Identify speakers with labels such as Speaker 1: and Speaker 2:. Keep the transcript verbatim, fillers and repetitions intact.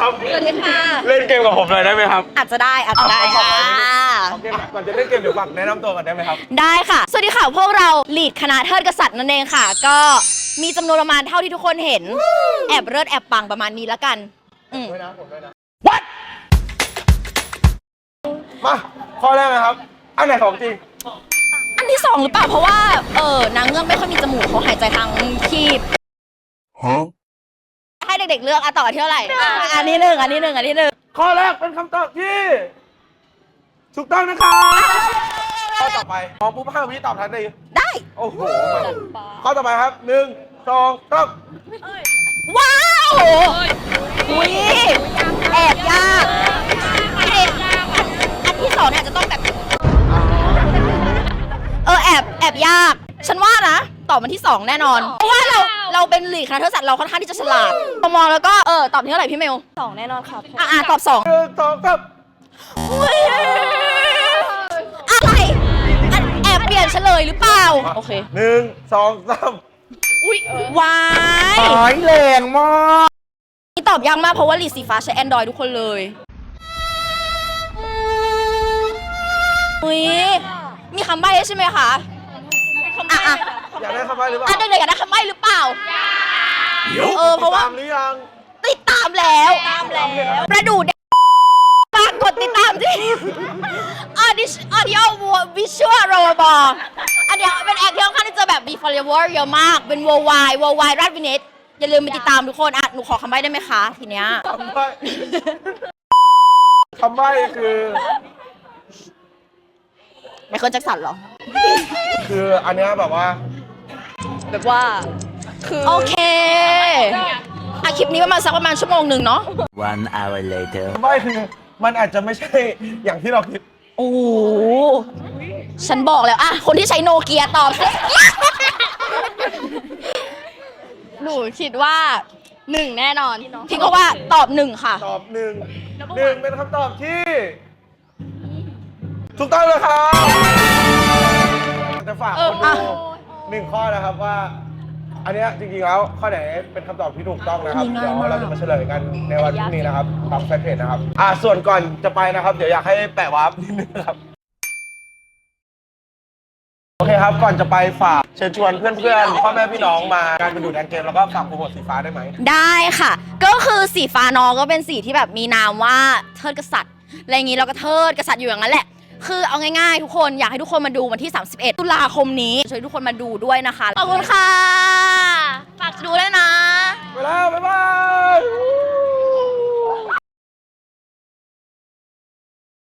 Speaker 1: ครับ
Speaker 2: สวัสดีค่ะ
Speaker 1: เล่นเกมกับผมเลยได้ไหมครับ
Speaker 2: อาจจะได้อาจจะได้ค่ะ
Speaker 1: ก่อนจะเล่นเกมเดี๋ยวฝากแนะนำตัวกันได้ไหมครับ
Speaker 2: ได้ค่ะสวัสดีค่ะพวกเราลีดคณะเทิดกษัตริย์นั่นเองค่ะ ก็มีจำนวนประมาณเท่าที่ทุกคนเห็นแอบเลิศแอบปังประมาณนี้แล้วกันอืม
Speaker 1: ด้วยนะผมด้วยนะ What มาข้อแรกนะครับอันไหนของจริง
Speaker 2: อันที่สองหรือเปล่าเพราะว่าเออนางเงือกไม่ค่อยมีจมูกเขาหายใจทางคีบให้เด็กๆเลือกอ่ะต่อที่เท่าไหร่อ่ะอันนี้หนึ่งอันนี้หนึ่งอันนี้หนึ่ง
Speaker 1: ข้อแรกเป็นคำตอบที่ถูกต้องนะครับข้อต่อไปมองปุ๊บห้าวิตอบทันที
Speaker 2: ได้
Speaker 1: โอ้โหข้อต่อไปครับหนึ่งสองสาม
Speaker 2: ว้าวอุ้ยแอบยากอันอันที่สองเนี่ยจะต้องแบบเออแอบแอบยากฉันว่านะตอบมันที่สองแน่นอนเพราะว่าเราเราเป็นหลีกคณะเทศศาสตร์เราค่อนข้างที่จะฉลาดพอมองแล้วก็เออตอบที่เท่าไหร่พี่เมลสองแน่นอนครับอ่ะอ่ะตอบสอง
Speaker 1: หนึ่งสองสาม
Speaker 2: อุ้ยอะไรอันแอบเปลี่ยนเฉลยหรือเปล่าโอเค
Speaker 1: หนึ่งสองสาม
Speaker 2: อุ้ยวาย
Speaker 1: หายแรงมาก
Speaker 2: นี่ตอบยากมากเพราะว่าลีดสีฟ้าใช้ Android ทุกคนเลยอุ้ยมีคำใบ้ใช่ไหมคะอ่ะอ่ะ
Speaker 1: อยากได้คำใบ้หรือเปล่า
Speaker 2: อ่ะเด็กๆอยากได้คำใบ้หรือเปล่าเออเพราะว่า
Speaker 1: ตามหรือยัง
Speaker 2: ติดตามแล้วตามแล้วประดูเด็กฝากกดติดตามที่ออดิชออดิโอวิชวลโรบออันเนี้ยเป็นแอคที่ค่อนข้างที่จะแบบมี follower เยอะมากเป็น worldwide worldwide ราชวินิตอย่าลืมไปติดตามทุกคนอ่ะหนูขอคำใบ้ได้ไหมคะทีเนี้ย
Speaker 1: คำใบ้คำใบ้คือ
Speaker 2: ไมเคิลแจ็คสันเหรอ
Speaker 1: คืออันเนี้ยแบบว่า
Speaker 2: แบบว่าคือโอเคอ่ะคลิปนี้ประมาณสักประมาณชั่วโมงหนึ่งเนาะ
Speaker 3: One hour later
Speaker 1: คำใบ้คือมันอาจจะไม่ใช่อย่างที่เราคิด
Speaker 2: โอ้ฉันบอกแล้วอ่ะคนที่ใช้โนเกียตอบสิ
Speaker 4: หนูคิดว่าหนึ่งแน่นอน
Speaker 2: พี่ก็ว่าตอบหนึ่งค่ะ
Speaker 1: ตอบหนึ่งหนึ่งเป็นคำตอบที่ถูกต้องเลยครับจะฝากคนดูหนึ่งข้อนะครับว่า อันเนี้ยจริงๆแล้วข้อไหนเป็นคำตอบที่ถูกต้องนะครับเดี๋ยวเราจะมาเฉลยกันในวันพรุ่งนี้นะครับตามแฟนเพจนะครับอ่าส่วนก่อนจะไปนะครับเดี๋ยวอยากให้แปะวาร์ปนิดนึงครับโอเคครับก่อนจะไปฝากเชิญชวนเพื่อนๆพ่อแม่พี่น้องมาการไปดูแดนเกมแล้วก็ฝากโปรโมทสีฟ้าได้ไหม
Speaker 2: ได้ค่ะก็คือสีฟ้าน้องก็เป็นสีที่แบบมีนามว่าเทิดกษัตริย์อะไรอย่างนี้เราก็เทิดกษัตริย์อยู่อย่างนั้นแหละคือเอาง่ายๆทุกคนอยากให้ทุกคนมาดูวันที่สามสิบเอ็ดตุลาคมนี้ช่วยทุกคนมาดูด้วยนะคะขอบคุณค่ะ